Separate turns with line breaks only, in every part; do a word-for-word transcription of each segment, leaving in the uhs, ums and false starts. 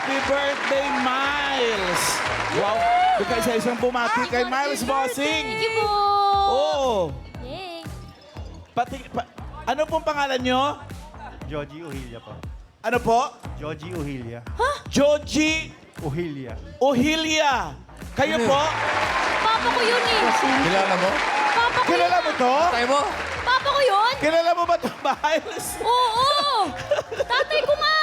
Happy birthday, Miles! Wow, bigay sa isang bumati kay Miles Bossing.
Thank you po.
Oo.
Yay.
Pati, pa, ano pong pangalan nyo?
Joji Uhilia po.
Ano po?
Joji Uhilia.
Joji
Uhilia.
Ohilia. Kayo po?
Papa ko yun eh.
Kilala mo?
Papa ko
Kilala mo to?
Tayo mo?
Papa ko yun?
Kilala mo ba to, Miles?
Oo. Tatay ko nga.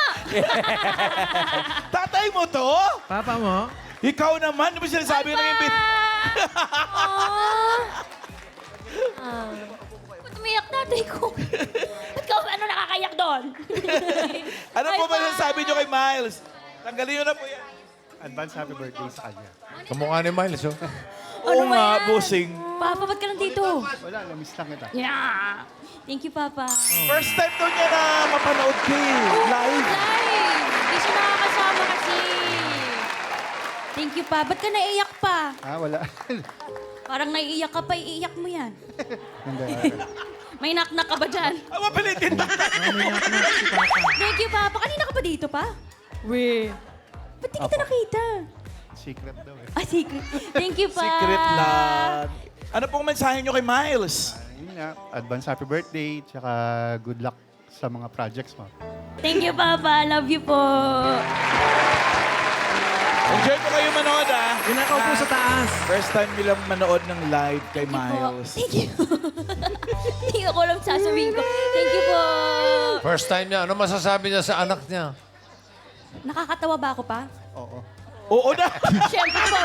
Tatay mo to?
Papa mo?
Ikaw naman, di ba sinasabi ng imbit?
Ah. Ah. Ba't umiyak tatay ko? Ba't ka, ano nakakayak doon?
Ano po ba
Bye-bye.
sinasabi nyo kay Miles? Tanggalin nyo na po yan.
Advance happy birthday sa kanya.
Kamukha ni Miles, oh.
Oo
ba
nga,
yan?
bossing.
Papa, ba't ka nandito?
Wala, namiss lang kita.
Yeah. Thank you, Papa.
First time to niya na mapanood kayo live.
Live! Hindi siya nakakasama kasi. Thank you, Pa. Ba't ka naiiyak pa?
Ah, wala.
Parang naiiyak ka pa, iiyak mo yan.
Hindi.
May knock-knock ka ba dyan?
Ah, mapilitin na.
Thank you, Papa. Kanina ka pa dito, pa? We. Ba't di kita
Apo.
nakita?
Secret daw eh.
Ah, secret. Thank you, Pa.
Secret lang. Ano pong mensahe nyo kay Miles?
Ah, yun nga, advance happy birthday, tsaka good luck sa mga projects mo.
Thank you, Papa. Love you po.
Enjoy po kayo manood, ah.
Inakaw po sa taas.
First time nilang manood ng live kay
Thank you po.
Miles.
Thank you. Hindi ako alam sasabihin ko. Thank you po.
First time niya. Ano masasabi niya sa anak niya?
Nakakatawa ba ako, Pa?
Oo.
Oo na.
Siyempre po.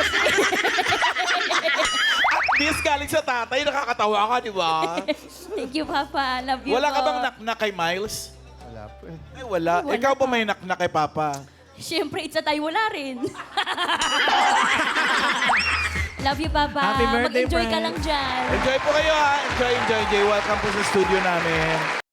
At least galing sa tatay, nakakatawa ka, di ba?
Thank you, Papa. Love you
Wala
po.
ka bang naknak kay Miles?
Wala po eh.
Ay, wala.
Wala
Ikaw pa
pa.
may naknak kay Papa.
Siyempre, it's a tayo wala rin. Love you, Papa.
Happy birthday,
Mag-enjoy ka
Frank.
lang dyan.
Enjoy po kayo, ha? Enjoy, enjoy, enjoy. Welcome po sa studio namin.